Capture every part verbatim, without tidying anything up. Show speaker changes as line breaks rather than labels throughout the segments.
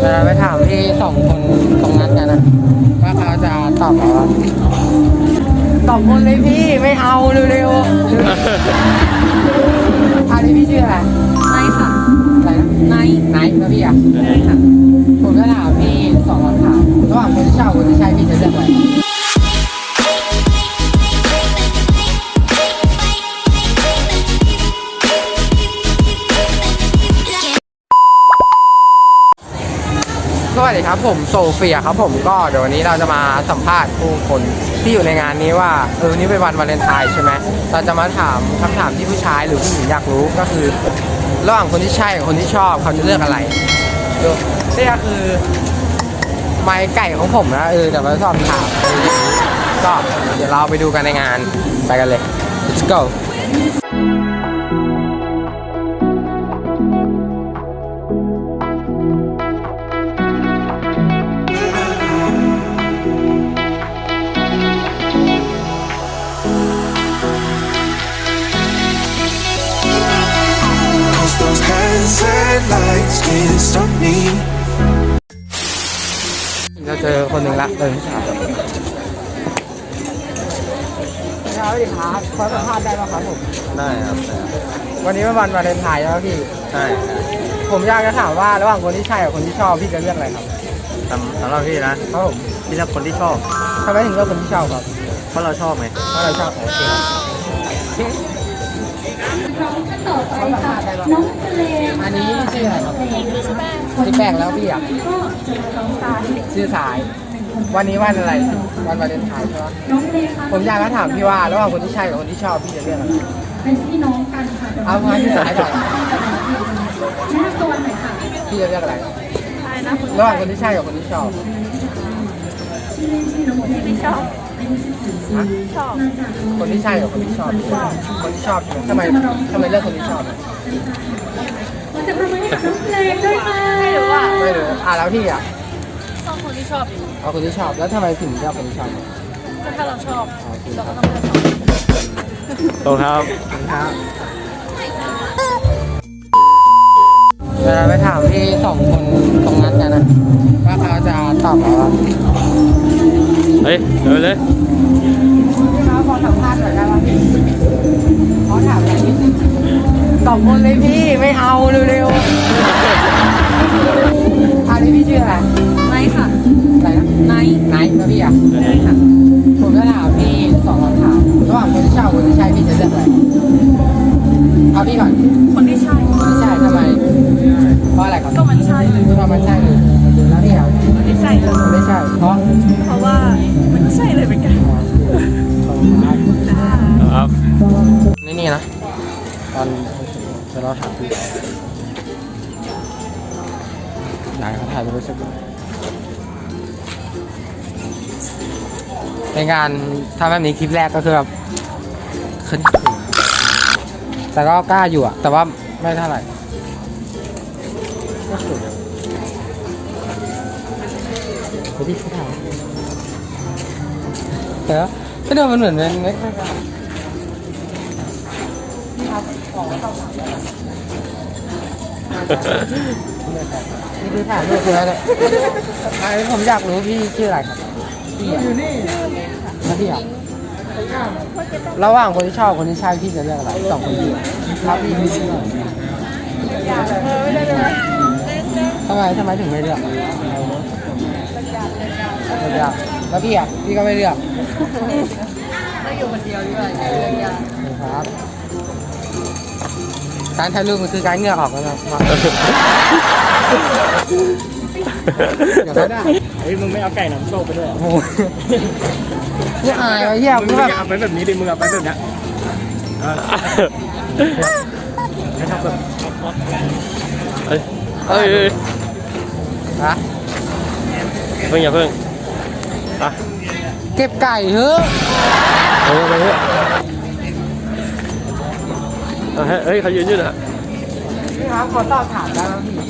เราไปถามพี่สองคนตรงนั้นกันนะว่าเขาจะตอบเราว่าสองคนเลยพี่ไม่เอาเร็วๆอันนี้พี่ชื่ออะไรไนท์ค่ะอะไรนะไนท์ไนท์นะพี่อ่ะใช่ค่ะผมจะถามพี่สองคำถามระหว่างคนที่ชอบคนที่ใช่พี่จะเลือกอะไรสวัสดีครับผมโซเฟียครับผมก็เดี๋ยววันนี้เราจะมาสัมภาษณ์ผู้คนที่อยู่ในงานนี้ว่าเออนี่เป็นวันวาเลนไทน์ใช่ไหมเราจะมาถามคำถามที่ผู้ชายหรือผู้หญิงอยากรู้ก็คือระหว่างคนที่ใช่กับคนที่ชอบเขาจะเลือกอะไรดูนี่ก็คือไม้ไก่ของผมนะเออเดี๋ยวมาสอบถามก็เดี๋ยวเราไปดูกันในงานไปกันเลย let's go
Those hands and lights can't stop me.
เราเจอคนหนึ่งละเดินสาวสวัสดีครับขอสัมภาษณ์ได้ไหมครับผม
ได้ครับ
วันนี้เป็นวันวาเลนไทน์ใช่ไหมพี่
ใช่
ผมอยากจะถามว่าระหว่างคนที่ใช่กับคนที่ชอบพี่จะเลือกอะไรครับ
สำสำหรับพี่นะครับ
ผม
พี่เลือกคนที่ชอบ
ทำไมถึงเลือกคนที่ชอบครับ
เพราะเราชอบไง
เพราะเราชอบโอเค
ต่อไปค่ะน้องทะเล
อันนี้ชื่ออะไรครับพี่แป้งแล้วพี่อ่ะชื่อสายวันนี้วันอะไรวันวาเลนไทน์ใช่ไหมผมอยากจะถามพี่ว่าระหว่างคนที่ใช่กับคนที่ชอบพี่จะเลือกอะไร
เป็นพี่น้องกันค่ะ
เอามาที่สายก่อน
แม่ตัวไหนค่ะ
พี่จะเลือกอะไรระหว่างคนที่ใช่กับคนที่ชอบ
ที่ชอบ
ชอบคนที่ใช่กับคนที่ชอบคนที่ชอบทำไมทำไมเลือกคนที่ชอบ
เราจะทำไมให้กับน้องเพลงด้วยค่ะไม่รู้อ่ะ
ไม่รู้อ่ะแล้วพี่อ่ะ
ชอบคนที่ชอบอยู่
เอาคนที่ชอบแล้วทำไมถึงเลือกคนที่ชอบ
ก็ถ้าเราชอบเราก็ต้องเลือกเขา
ตรงครับ
ครับเดี๋ยวเราไปถามพี่สองคนตรงนั้นกันนะว่าเขาจะตอบเราว่า
เฮ้ยเดี๋ยวเลย
พี่ครับขอสัมภาษณ์หน่อยได้ไหมขอถามอะไรนิดนึงสองคนเลยพี่ไม่เอาเร็วๆอันนี้พี่ชื่ออะไร
ไนท์ค่ะ
อะไรนะ
ไนท์
ไนท์นะพี่อ่ะ
ใช่ค่ะ
ผมจะถามพี่สองคำถามระหว่างคนที่ชอบคนที่ใช่พี่จะเลือกอะไรเอาพี่ก่อน
คนที่ใช่
คนที่ใช่ทำไมเพราะอะไรครับ
ก็มันใช่
เพราะมันใช่เลยแล้วพี่อ่ะ
ไม่ใช่เลย
ไม่ใช่เพราะ
เพราะว่ามันก็ใช่เลยเหมือนกัน
ครับ
นี่นี่นะตอนจะเราถามพี่ไหนเขาถ่ายไปรู้สึกในงานทำแบบนี้คลิปแรกก็คือแบบขึ้นแต่ก็กล้าอยู่อะแต่ว่าไม่เท่าไหร่ก็สุดไปที่เขาถ่ายแต่ก็เดินมันเหมือนเป็นเล็กๆกันนี่ครับของเข้าถามนี่คือถ่ายรูปเลยนะอันนี้ผมอยากรู้พี่ชื่ออะไรครับพี่อยู่นี่นะพี่อ่ะระหว่างคนที่ชอบคนที่ใช่พี่จะเลือกอะไรสองคนพี่ครับพี่พี่ชื่ออะไรทำไมทำไมถึงไม่เลือกไม่เลือกแล้วพี่อ่ะพี่ก็ไม่เลือก
เราอยู่คนเดียวด้วย
ครับการถ่ายรูปมันคือการเหงื่อออกแล้วนะ
อย่าได้เฮ้ยมึงไม่เอาไก่น้ำโชคไปด้วย
โอ้ยนี่อายไอ้เหี้ยมึงแบบ
เอาไปแบบนี้ดิมึงเอาไปแบบนี้ให้ทำแบบเฮ้ยเฮ้ย
ฮะ
เพิ่งอย่าเพิ่งอ่ะ
เก็บไก่เถอะ
เฮ้ยไปเถอะเฮ้ยเขายืนอยู่นะ
พี่ครับขอสอบถามได้ไหมพี่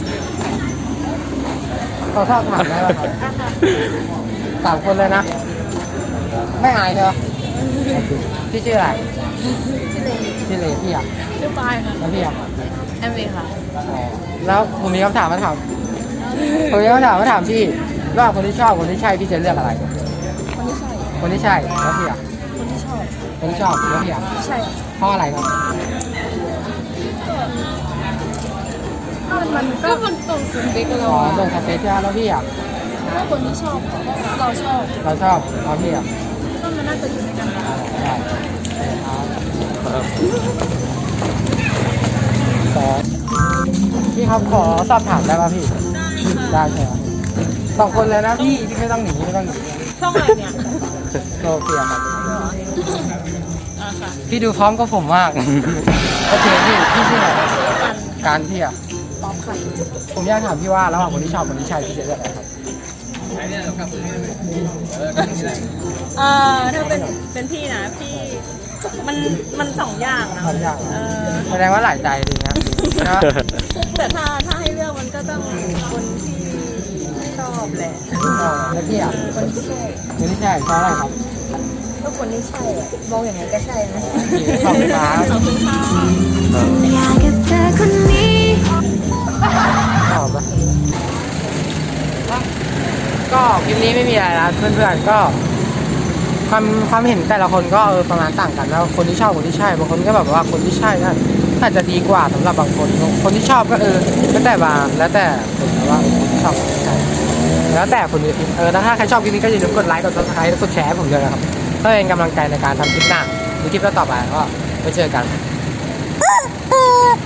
ขอสอบถามได้ไหมครับสามคนเลยนะไม่อายใช่ไหมพี่ชื่ออะไรชื่อเลพี่อ่ะ
ชื่อปายค่ะ
แล้วพี่อ่ะ
แอมเลยค่ะ
แล้วผมมีคำถามมาถามผมจะมาถามมาถามพี่ว่าคนที่ชอบคนที่ใช่พี่จะเลือกอะไร
คนที่ใช่
คนที่ใช่แล้วพี่อ่ะ
คนที่ชอบ
คนที่ชอบแล้วพี่อ่ะ
ใช่
เพราะอะไรครับ
มันก็มันตรงสเปค
อ๋
เรา
อ
อะ
ตรงสเปซใช่ไหมแล้วพี่อ่ะ
ถ้าคนที่ชอบเราชอบ
เราชอบแล้วพี่อ่ะ
ก็มันน่าจะอยู่ในกันได้
ได้ครับขอพี่ครับขอสอบถามได้ป่ะพี่ได้ใช่ไหมสองคนเลยนะพี่พี่ไม่ต้องหนีไม่ต้องหนี
ช่องอะไรเนี่ย
โซเฟียครับพี่ดูพร้อมกับผมมาก โอเคพี่พี่ชื่ออะไรการพี่อ่ะ
ป๊อปค่ะ
ผมอยากถามพี่ว่าระหว่างคนที่ชอบคนที่ใช่พี่จะเลือกอะไรครับ
เอ่อถ้าเป็นเป็นพี่นะพี่มันมันสองอย่างนะ
สองอย่าง
เออ
แสดงว่าหลายใจดีนะนะ
แต่ถ้าถ้าให้เลือกมันก็ต้องคนที่ชอบแหละ
อ๋อแล้วพี่อ่ะ
คนที่ใช่
คนที่ใช่เพราะอะไรครับ
ก็คนที่ใช่อะมองอย่างไงก็ใช่นะ
ขอบคุณครับ
ขอบคุณค่ะ
อยากกับเธอคนนี้
ชอบปะก็คลิปนี้ไม่มีอะไรนะเพื่อนๆก็ความความเห็นแต่ละคนก็เออประมาณต่างกันแล้วคนที่ชอบคนที่ใช่บางคนก็แบบว่าคนที่ใช่นั่นอาจจะดีกว่าสำหรับบางคนคนที่ชอบก็เออแล้วแต่บางแล้วแต่คนแต่ว่าคนที่ชอบคนที่ใช่แล้วแต่คนอื่นเออแล้วถ้าใครชอบคลิปนี้ก็อย่าลืมกดไลค์กดซับสไครต์และกดแชร์ให้ผมด้วยนะครับเพื่อเป็นกำลังใจในการทำคลิปหน้าหรือคลิปต่อไปก็ไปเจอกัน